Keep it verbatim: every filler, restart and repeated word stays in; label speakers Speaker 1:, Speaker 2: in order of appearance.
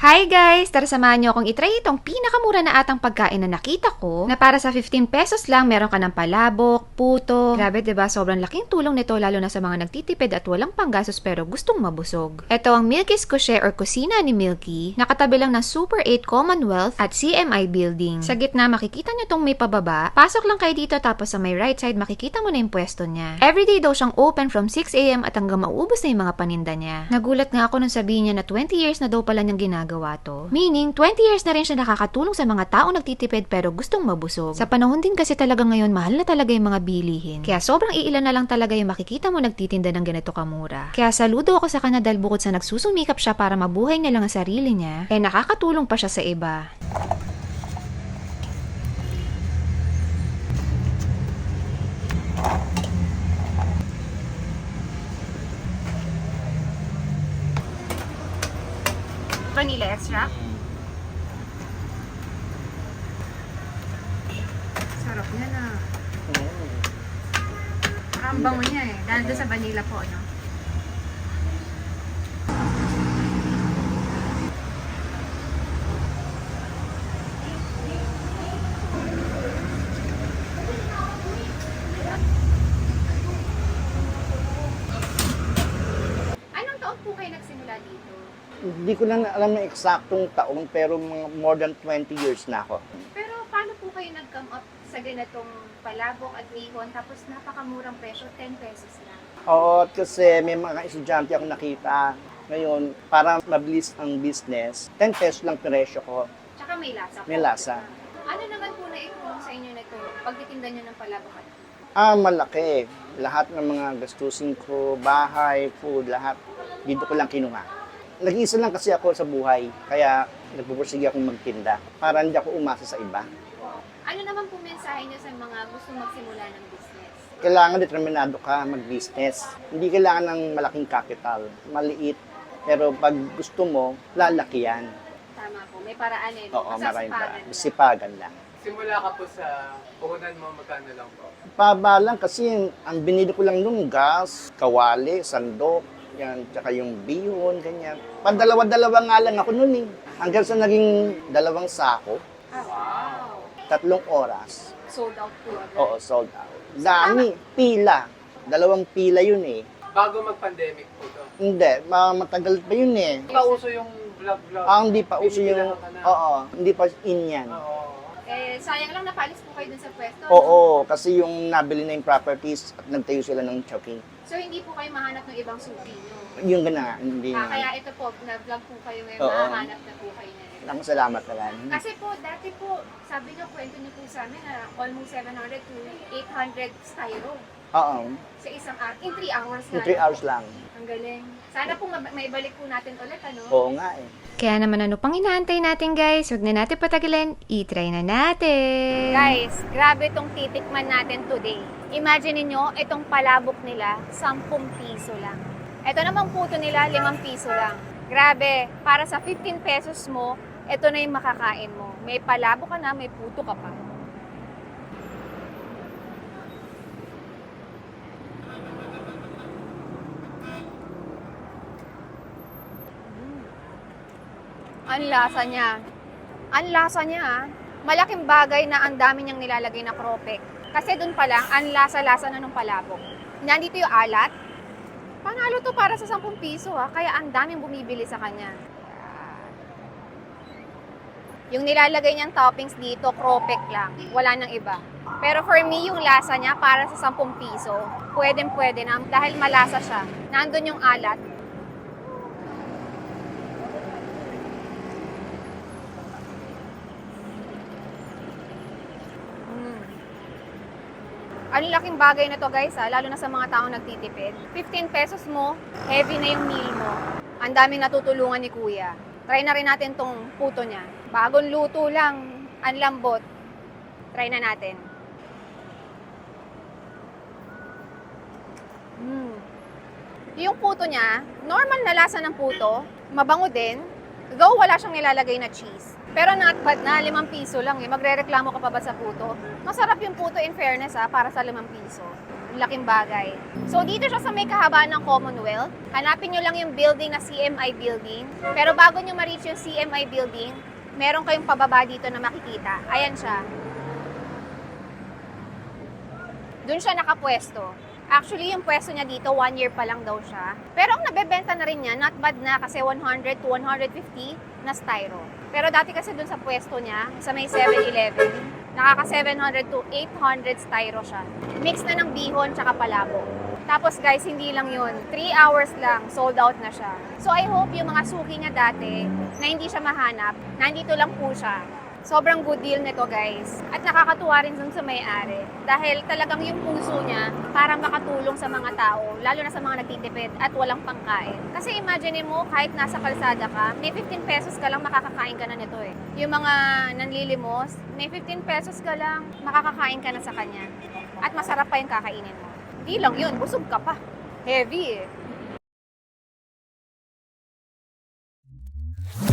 Speaker 1: Hi guys! Tara samahan niyo akong itry itong pinakamura na atang pagkain na nakita ko na para sa fifteen pesos lang meron ka ng palabok, puto. Grabe diba? Sobrang laking tulong nito lalo na sa mga nagtitipid at walang panggastos pero gustong mabusog. Ito ang Milky's Kushe or kusina ni Milky. Nakatabi lang ng Super eight Commonwealth at C M I Building. Sa gitna makikita niyo tong may pababa. Pasok lang kayo dito tapos sa may right side makikita mo na yung pwesto niya. Everyday daw siyang open from six a m at hanggang mauubos na yung mga paninda niya. Nagulat nga ako nung sabihin niya na twenty years na daw pala niyang ginagawa gawa to. Meaning, twenty years na rin siya nakakatulong sa mga taong nagtitipid pero gustong mabusog. Sa panahon din kasi talaga ngayon, mahal na talaga yung mga bilihin. Kaya sobrang iilan na lang talaga yung makikita mo nagtitinda ng ganito kamura. Kaya saludo ako sa kanya dahil bukod sa nagsusumikap siya para mabuhay niya lang ang sarili niya, eh nakakatulong pa siya sa iba. Vanilla extract. Sarap niya na. Ang bango niya eh. Dahil doon sa vanilla po, no? Anong taon po kayo nagsimula dito?
Speaker 2: Hindi ko lang alam ng eksaktong taon, pero mga more than twenty years na ako.
Speaker 1: Pero paano po kayo nag-come up sa ganitong palabok at bihon tapos napakamurang presyo, ten pesos lang?
Speaker 2: Oo, kasi may mga estudyante ako nakita. Ngayon, para mabilis ang business, ten pesos lang presyo ko.
Speaker 1: Tsaka may lasa po.
Speaker 2: May lasa.
Speaker 1: Ano naman po na itulong sa inyo nito pagtitinda nyo ng palabok at
Speaker 2: Ah, malaki. Lahat ng mga gastusin ko, bahay, food, lahat, dito ko lang kinuha. Nag-iisa lang kasi ako sa buhay, kaya nagpupursige akong magtinda para hindi ako umasa sa iba.
Speaker 1: ano naman po mensahe nyo sa mga gustong magsimula ng business?
Speaker 2: Kailangan determinado ka mag-business. Hindi kailangan ng malaking capital, maliit. Pero pag gusto mo, lalaki yan.
Speaker 1: Tama po, may paraan eh.
Speaker 2: Oo, maraming
Speaker 1: Masasipagan
Speaker 2: pa.
Speaker 1: lang.
Speaker 2: Sipagan lang.
Speaker 3: Simula ka po sa puhunan mo, magkano lang po?
Speaker 2: Paba lang kasi ang binili ko lang nung gas, kawali, sandok, yan, tsaka yung bihon, ganyan. Pandalawa-dalawa nga lang ako nun eh. Hanggang sa naging dalawang sako,
Speaker 1: Ah, wow.
Speaker 2: tatlong oras.
Speaker 1: Sold out po agad.
Speaker 2: Oo, sold out. Dami, pila. Dalawang pila yun eh.
Speaker 3: Bago mag-pandemic po to.
Speaker 2: Hindi, ma- matagal pa yun eh.
Speaker 3: Pauso yung vlog-vlog.
Speaker 2: Ah, hindi pa uso yung,
Speaker 3: Binibilang ka na.
Speaker 2: oo, hindi pa in yan.
Speaker 3: Oo.
Speaker 1: Eh, sayang lang napalis po kayo dun sa pwesto.
Speaker 2: Oo, kasi yung nabili na yung properties at nagtayo sila ng choking.
Speaker 1: So, hindi po kayo mahanap ng ibang suki, no?
Speaker 2: Yung gana, hindi
Speaker 1: Ah,
Speaker 2: na.
Speaker 1: kaya ito po, na-vlog po kayo ngayon,
Speaker 2: Oo.
Speaker 1: mahanap na po kayo na rin.
Speaker 2: Ang salamat na lang.
Speaker 1: Kasi po, dati po, sabi niyo, kwento niyo po sa amin na almost seven hundred to eight hundred styro
Speaker 2: Oo,
Speaker 1: sa isang araw. In three hours
Speaker 2: in
Speaker 1: na.
Speaker 2: three hours lang.
Speaker 1: Ang galing. Sana po ma- maibalik po natin ulit, ano?
Speaker 2: Oo nga eh.
Speaker 1: Kaya naman ano pang inaantay natin guys, huwag na natin patagalin, i-try na natin! Guys, grabe itong titikman natin today. Imagine niyo itong palabok nila, sampung piso lang. Ito namang puto nila, limang piso lang. Grabe, para sa fifteen pesos mo, ito na yung makakain mo. May palabok ka na, may puto ka pa. Ang lasa niya. Ang lasa niya, ah. Malaking bagay na ang dami niyang nilalagay na kropek. Kasi dun pa lang, ang lasa-lasa na nung palabok. Nandito yung alat. Panalo to para sa sampung piso, ha. Kaya ang daming bumibili sa kanya. Yung nilalagay niyang toppings dito, kropek lang. Wala nang iba. Pero for me, yung lasa niya para sa sampung piso, pwedeng-pwede na dahil malasa siya. Nandun yung alat. Ang laking bagay na to guys, ha? Lalo na sa mga taong nagtitipid. fifteen pesos mo, heavy na yung meal mo. Ang daming natutulungan ni Kuya. Try na rin natin tong puto niya. Bagong luto lang, ang lambot. Try na natin. Mm. Yung puto niya, normal na lasa ng puto, mabango din. Though wala siyang nilalagay na cheese.
Speaker 4: Pero not bad na, limang piso lang eh. Magre-reklamo ka pa ba sa puto? Masarap yung puto in fairness ha, para sa limang piso. Laking bagay. So, dito siya sa may kahabaan ng Commonwealth. Hanapin nyo lang yung building na C M I building. Pero bago nyo ma-reach yung C M I building, meron kayong pababa dito na makikita. Ayan siya. Doon siya nakapwesto. Actually, yung pwesto niya dito, one year pa lang daw siya. Pero ang nabebenta na rin niya, not bad na kasi one hundred to one fifty na styro. Pero dati kasi dun sa pwesto niya, sa may seven eleven, nakaka seven hundred to eight hundred styro siya. Mix na ng bihon tsaka palabo. Tapos guys, hindi lang yun. three hours lang, sold out na siya. So I hope yung mga suki niya dati, na hindi siya mahanap, nandito lang po siya. Sobrang good deal nito guys. At nakakatuwa rin dun sa may-ari. Dahil talagang yung puso niya para makatulong sa mga tao, lalo na sa mga nagtitipid at walang pangkain. Kasi imagine mo, kahit nasa kalsada ka, may fifteen pesos ka lang makakakain ka na nito eh. Yung mga nanlilimos, may fifteen pesos ka lang, makakakain ka na sa kanya. At masarap pa yung kakainin mo. Di lang yun, busog ka pa. Heavy eh.